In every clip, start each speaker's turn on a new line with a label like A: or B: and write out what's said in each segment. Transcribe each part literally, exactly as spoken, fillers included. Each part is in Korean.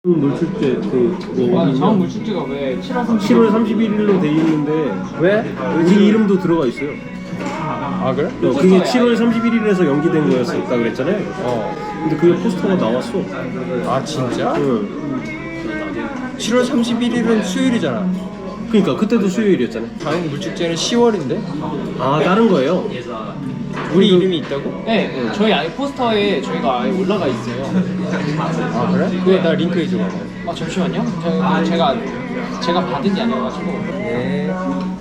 A: 물출제 그뭐
B: 아, 자원 물출제가 왜 칠월 삼십일
A: 칠월 삼십일일로 돼 있는데
C: 왜?
A: 우리 이름도 들어가 있어요.
C: 아 그래?
A: 어, 그게 칠월 삼십일일에서 연기된 거였었다 그랬잖아요.
C: 어.
A: 근데 그게 포스터가 나왔어.
C: 아 진짜?
A: 응.
C: 칠월 삼십일일은 수요일이잖아.
A: 그러니까 그때도 수요일이었잖아요.
C: 당연히 물축제는 시월인데?
A: 아 다른 거예요.
C: 우리 이름이 있다고?
B: 네, 네, 저희 아예 포스터에 저희가 아예 올라가 있어요.
C: 아 그래? 그거 나 링크 해줘.
B: 아 잠시만요. 저, 제가 제가 받은 게 아니어가지고.
C: 네.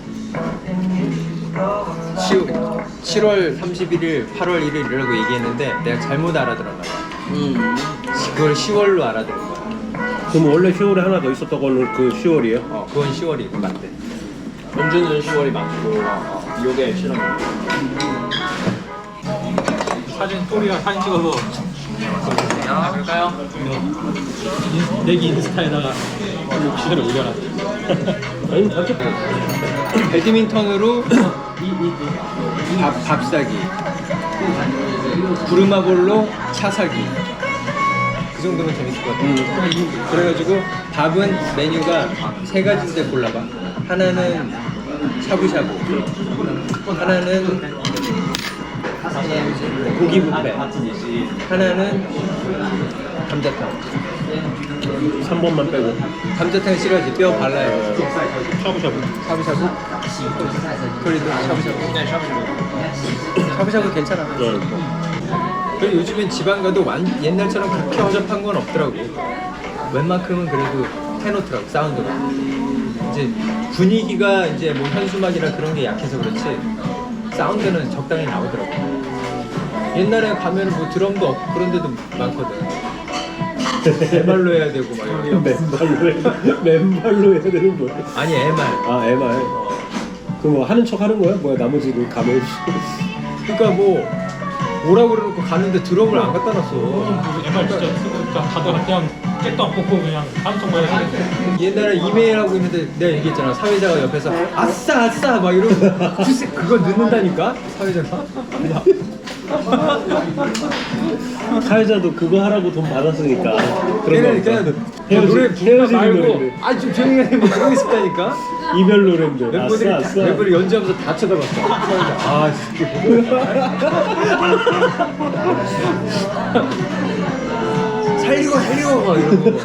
C: 칠월 삼십일일, 팔월 일일이라고 얘기했는데 내가 잘못 알아들었나 봐.
B: 음.
C: 그걸 시월로 알아들은 거야.
A: 그럼 원래 시월에 하나 더 있었던 거는 그 시월이에요?
C: 어, 그건 시월이고 맞대.
B: 연주는 시월이 맞고, 어, 어, 요게 칠월.
D: 사진 또리가 사진 찍어서
B: 아, 그럴까요?
D: 내기 인스타에다가 그대로 올려놨어.
A: 아니 어쨌든
C: 배드민턴으로 밥, 밥 사기, 부르마볼로 차 사기. 그 정도면 재밌을 것 같아.
A: 음.
C: 그래가지고 밥은 메뉴가 세 가지인데 골라봐. 하나는 샤브샤브, 하나는 고기 뷔페, 하나는 감자탕.
A: 삼 번만 빼고
C: 감자탕 싫어하지? 뼈 발라야 돼.
A: 샤브샤브.
C: 샤브샤브? 그래도 샤브샤브.
B: 네, 샤브샤브.
C: 샤브샤브 괜찮아.
A: 네.
C: 그리고 요즘엔 지방 가도 완, 옛날처럼 그렇게 허접한 건 없더라고. 웬만큼은 그래도 해놓더라고, 사운드가. 이제 분위기가 이제 뭐 현수막이나 그런 게 약해서 그렇지 사운드는 적당히 나오더라고. 옛날에 가면은 뭐 드럼도 없고 그런 데도 많거든. 맨발로 해야 되고 막 이런.
A: 맨발로 해. 맨발로 해야 되는 거야.
C: 아니 엠알.
A: 아 엠알. 그럼 뭐 하는 척 하는 거야? 뭐야 나머지는 가면.
C: 그러니까 뭐 오라고 그래놓고 가는데 드럼을 안 갖다 놨어.
D: 엠알 진짜 쓰고 다들 그냥 깨도 안 뽑고 그냥 하는 척만 해야 돼.
C: 옛날에 이메일 하고 있는데 내가 얘기했잖아. 사회자가 옆에서 아싸 아싸 막 이러고 글쎄 그거 넣는다니까 사회자가.
A: 사회자도 그거 하라고 돈 받았으니까.
C: 걔는 그냥
A: 헤어지,
C: 노래 부르다
A: 헤어지는
C: 말고
A: 노래인데.
C: 아 좀 조용히 해 뭐 그러고 싶다니까.
A: 이별 노래인데.
C: 멤버들이
A: 아싸 아싸.
C: 멤버들이 연주하면서 다 쳐다봤어. 사회자. 아 진짜. 살리고 살리고 막 이러고.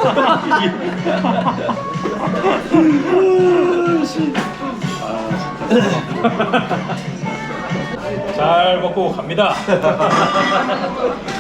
D: 잘 먹고 갑니다.